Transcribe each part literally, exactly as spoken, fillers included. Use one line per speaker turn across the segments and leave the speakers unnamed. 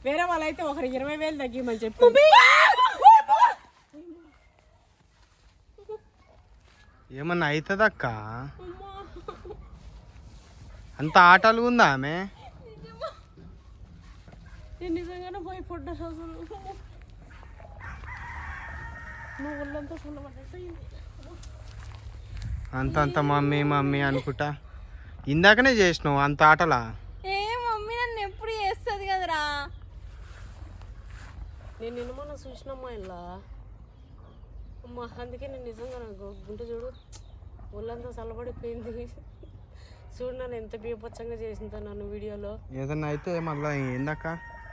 వేరే వాళ్ళైతే ఒకరు ఇరవై వేలు తగ్గిమని చెప్పి
ఏమన్నా అవుతుందక్క అంత ఆటలు ఉందా ఆమె
నిజంగానే భయపడ్డా అసలు నువ్వు ఒళ్ళంతా చల్లబడ్డట్టు
అంత అంత మమ్మీ మమ్మీ అనుకుంటా ఇందాకనే చేసినావు అంత ఆటలా
ఏ మమ్మీ నన్ను ఎప్పుడు చేస్తుంది కదరా
నేను నిన్న మొన్న చూసినమ్మా ఇలా అమ్మా అందుకే నేను నిజంగా నాకు గుంట చూడు ఒళ్ళంతా చల్లబడిపోయింది చూడు నన్ను ఎంత బీపచ్చంగా చేసిందో నన్ను వీడియోలో
ఏదన్నా అయితే మళ్ళీ ఏందక్క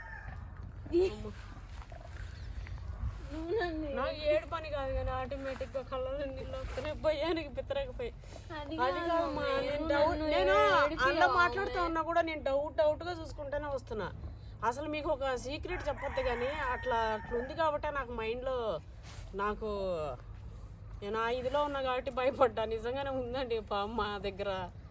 నాకు ఏడు పని కాదు కానీ ఆటోమేటిక్ గా కళ్ళలో నీళ్ళు వస్తున్నాయి భయానికి పిత్తరకపోయి అది కాదమ్మా నేను డౌట్ నేను అలా మాట్లాడుతూ ఉన్నా కూడా నేను డౌట్ డౌట్ గా చూసుకుంటూనే వస్తున్నా అసలు మీకు ఒక సీక్రెట్ చెప్పొద్దు కానీ అట్లా అట్లా ఉంది కాబట్టి నాకు మైండ్లో నాకు నేను ఆ ఇదిలో ఉన్నా కాబట్టి భయపడ్డా నిజంగానే ఉందండి పాము మా దగ్గర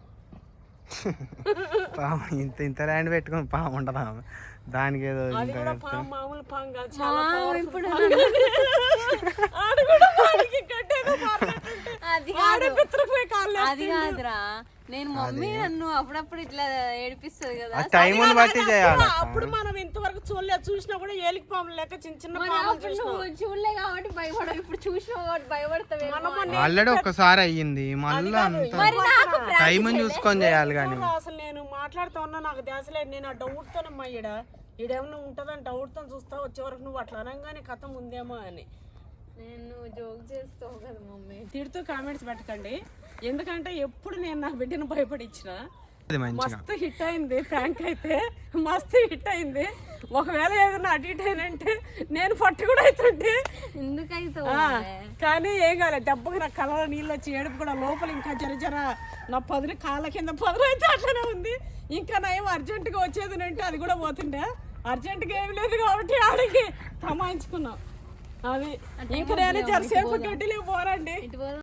పాము ఇంత ఇంత ల్యాండ్ పెట్టుకుని పాము ఉండదా దానికి ఏదో
అది కూడా పాము మామూలు పాము కాదు చాలా పవర్ఫుల్ ఆడు కూడా వాడికి గడ్డేదో
అది
ఆడే పిత్తరపోయి కాళ్ళు
అది కాదురా నేను మమ్మీ నన్ను అప్పుడప్పుడు ఇట్లా ఏడిపిస్తుంది కదా
టైం బట్టి చేయాలి
అప్పుడు మనం ఇంతవరకు చూడలేదు చూసినా కూడా ఏలికి పాములు లెక్క చిన్న చిన్న పాములు చూసినాం
చూడలే కాబట్టి భయపడవు ఇప్పుడు చూసినావు కాబట్టి భయపడతావు
ఆల్రెడీ ఒక్కసారి అయ్యింది మళ్ళీ అంత టైం చూసుకొని చేయాలి కానీ
అసలు నేను మాట్లాడుతూ ఉన్నా నాకు దేశలేదు నేను ఆ డౌట్ తోనమ్మా ఈడ ఈడేమన్నా ఉంటుందని డౌట్ తో చూస్తా వచ్చే వరకు నువ్వు అట్లా అనగానే కథ ఉందేమో అని
నేను జోక్ చేస్తావు కదా మమ్మీ
తిడుతూ కామెంట్స్ పెట్టకండి ఎందుకంటే ఎప్పుడు నేను నా బిడ్డను భయపడిచ్చిన మస్తు హిట్ అయింది ఫ్రాంక్ అయితే మస్తు హిట్ అయింది ఒకవేళ ఏదైనా అటు ఇటు అయినంటే నేను పట్టు కూడా అవుతుంటే
ఎందుకైతే
కానీ ఏం కాలేదు దెబ్బకి నా కళ్ళలో నీళ్ళు వచ్చి ఏడుపు కూడా లోపల ఇంకా జర జర నా పదులు కాళ్ళ కింద పదులు అయితే అట్లనే ఉంది ఇంకా నయం అర్జెంటుగా వచ్చేది అంటే అది కూడా పోతుండే అర్జెంటుగా ఏమి లేదు కాబట్టి ఆడికి తమాయించుకున్నాం అది ఇంకా నేను జరసేపు గడ్డిలే పోరండి